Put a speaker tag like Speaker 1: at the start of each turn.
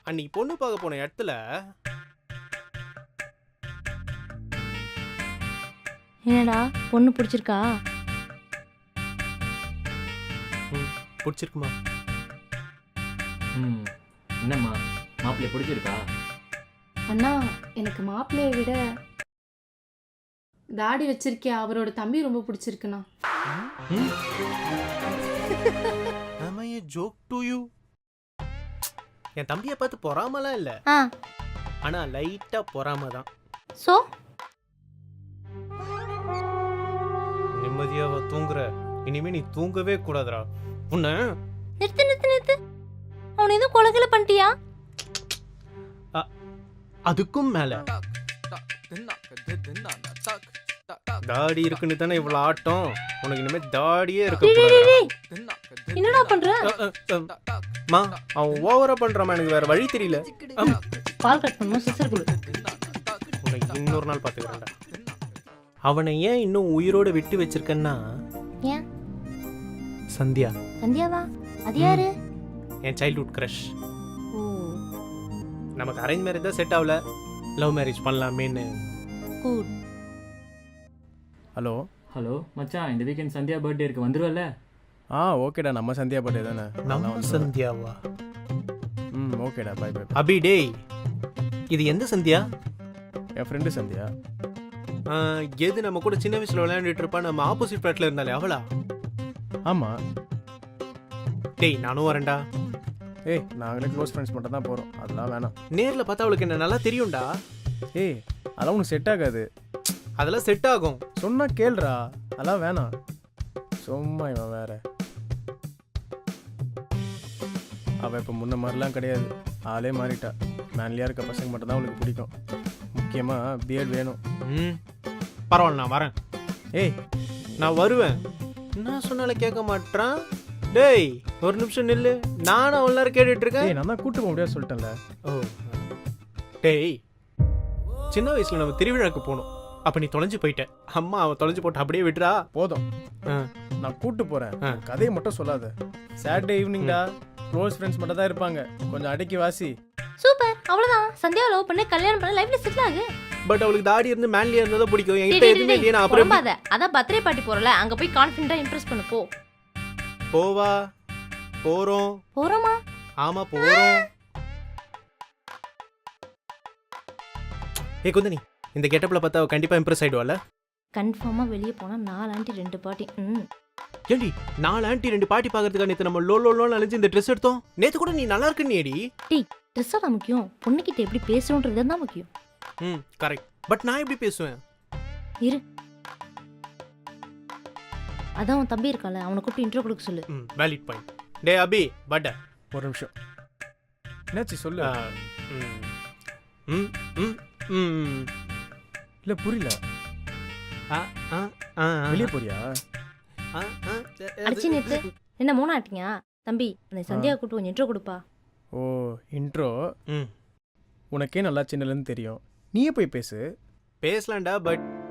Speaker 1: அன்னைக்கு பொண்ணு பார்க்க போன இடத்துல
Speaker 2: என்னடா பொண்ணு பிடிச்சிருக்கா?
Speaker 1: பிடிச்சிருக்குமா?
Speaker 3: என்னம்மா மாப்பிள்ளை பிடிச்சிருக்கா?
Speaker 4: அண்ணா எனக்கு மாப்பிள்ளையை விட தாடி வச்சிருக்கே அவரோட தம்பி ரொம்ப பிடிச்சிருக்குண்ணா.
Speaker 1: Joke to you. என் தம்பியை பார்த்து பொறாமலாம் இல்லை, ஆனா லைட்டா பொறாம தான்.
Speaker 2: சோ
Speaker 1: நிம்மதியாவா தூங்குற? இனிமே நீ தூங்கவே கூடாதுடா. உன்ன
Speaker 2: நிறுத்து நிறுத்து நிறுத்து. அவனை எதுவும் கொலைகளை பண்ணிட்டியா?
Speaker 1: அதுக்கும் மேல தாடி இருக்குன்னு தானே இவ்வளவு ஆட்டம். உனக்கு இனிமே தாடியே இருக்க.
Speaker 2: என்னடா பண்ற?
Speaker 1: அவன் ஓவரா பண்றான், எனக்கு வேற வழி தெரியல.
Speaker 2: பால் கட் பண்ணணும், சிசர் குளு.
Speaker 1: உனக்கு இன்னொரு நாள் பாத்துக்கிறேன்டா. அவனை ஏன் இன்னும் உயிரோட விட்டு வச்சிருக்கேன்னா,
Speaker 2: ஏன்?
Speaker 1: சந்தியா.
Speaker 2: சந்தியாவா? அது யாரு?
Speaker 1: என் சைல்ட்ஹுட் கிரஷ்.
Speaker 2: ஓ,
Speaker 1: நமக்கு அரேஞ்ச் மேரேஜ் தான் செட் ஆகல, லவ் மேரேஜ் பண்ணலாமேன்னு.
Speaker 2: குட்.
Speaker 5: ஹலோ
Speaker 3: ஹலோ மச்சான், இந்த வீக்கெண்ட் சந்தியா பர்த்டே இருக்கு, வந்துருவல்ல?
Speaker 5: ஓகேடா, நம்ம சந்தியா பர்த்டே தானே.
Speaker 1: நம்ம சந்தியாவா?
Speaker 5: ஓகேடா, பை பை.
Speaker 1: அபி டேய், இது எந்த சந்தியா?
Speaker 5: என் ஃப்ரெண்டு சந்தியா.
Speaker 1: எது நம்ம கூட சின்ன வயசுல விளையாண்டுட்டு இருப்பா, நம்ம ஆப்போசிட் பிளாட்ல இருந்தாலே அவளா?
Speaker 5: ஆமாம்.
Speaker 1: டேய் நானும் வரேன்டா.
Speaker 5: ஏய், நாங்களே க்ளோஸ் ஃப்ரெண்ட்ஸ் மட்டும் தான் போகிறோம், அதெல்லாம் வேணாம்.
Speaker 1: நேரில் பார்த்தா அவளுக்கு என்ன நல்லா தெரியும்டா.
Speaker 5: ஏய், அதெல்லாம் உனக்கு செட் ஆகாது.
Speaker 1: அதெல்லாம் செட் ஆகும்.
Speaker 5: சொன்னா கேளுடா, அதெல்லாம் வேணாம். சும்மா இவன் வேற. அவள் இப்போ முன்ன மாதிரிலாம் கிடையாது, ஆளே மாறிட்டா. மேன்லியாக இருக்க பசங்க மட்டும் தான் அவளுக்கு பிடிக்கும். முக்கியமாக பிஎட் வேணும்.
Speaker 1: பரவாயில்ல, நான் வரேன்.
Speaker 5: ஏய்,
Speaker 1: நான் வருவேன். என்ன சொன்னாலும் கேட்க மாட்டான். டேய் ஒரு நிமிஷம் நில்லு, நானும் அவ்வளோ நேரம் கேட்டுட்டு இருக்கேன்.
Speaker 5: ஏய், நான் தான் கூட்டு போக முடியாது சொல்லிட்டேன்ல.
Speaker 1: ஓ டேய், சின்ன வயசுல நம்ம திருவிழாக்கு போனோம், அப்ப நீ தொலைஞ்சு போயிட்ட. அம்மா அவன் தொலைஞ்சு போட்டு அப்படியே விட்டுறா.
Speaker 5: போதும், நான் கூட்டு போறேன். கதையை மட்டும் சொல்லாத. சாட்டர்டே ஈவினிங்டா, க்ளோஸ் ஃப்ரெண்ட்ஸ் மட்டும் தான் இருப்பாங்க. கொஞ்சம் அடக்கி வாசி.
Speaker 2: சூப்பர், அவ்வளவுதான். சந்தியாவை லவ் பண்ணி கல்யாணம் பண்ண லைஃப்ல செட்டில் ஆகு.
Speaker 1: பட் அவளுக்கு தாடி இருந்து மேன்லியா இருந்ததா பிடிக்கும். என்கிட்ட எதுவுமே இல்லையே, நான் அப்புறம்
Speaker 2: போகாத. அதான் பர்த்டே பார்ட்டி போறல, அங்க போய் கான்ஃபிடென்ட்டா இம்ப்ரெஸ் பண்ணு. போ.
Speaker 1: போவா? போறோம்.
Speaker 2: போறோமா?
Speaker 1: ஆமா போறோம். ஏய் குந்தனி, இந்த கெட்டப்ல பார்த்தா அவ கண்டிப்பா இம்ப்ரெஸ் ஆயிடுவால.
Speaker 2: கன்ஃபார்மா வெளிய போனா 4 ஆண்டி 2 பாட்டி.
Speaker 1: ஏண்டி 4 ஆண்டி 2 பாட்டி பாக்கிறதுக்கு நேத்து நம்ம லோ லோ லோன்னு அலைஞ்சு இந்த ட்ரெஸ் எடுத்தோம். நேத்து கூட நீ நல்லா இருக்குன்னு ஏடி.
Speaker 2: டீ ட்ரெஸ் தான் முக்கியம், பொண்ணுகிட்ட எப்படி பேசணும்ன்றது தான் முக்கியம்.
Speaker 1: கரெக்ட். பட் நான் எப்படி பேசுவேன்?
Speaker 2: இரு, அதான் உன் தம்பி இருக்கால, அவனை கூப்பிட்டு இன்ட்ரோ கொடுக்க சொல்லு.
Speaker 1: Valid point. டே அபி பட்
Speaker 5: ஒரு நிமிஷம். என்னாச்சு சொல்லு. இல்ல புரியல. வெளியே போறியா?
Speaker 2: அடிச்சு நேத்து என்ன மோனா ஆட்டிங்க தம்பி? அந்த சந்தியா கூப்பிட்டு கொஞ்சம் இன்ட்ரோ கொடுப்பா.
Speaker 5: Oh intro. உனக்கே நல்லா சின்னலன்னு தெரியும், நீயே போய் பேசு.
Speaker 1: பேசலாம்டா, பட்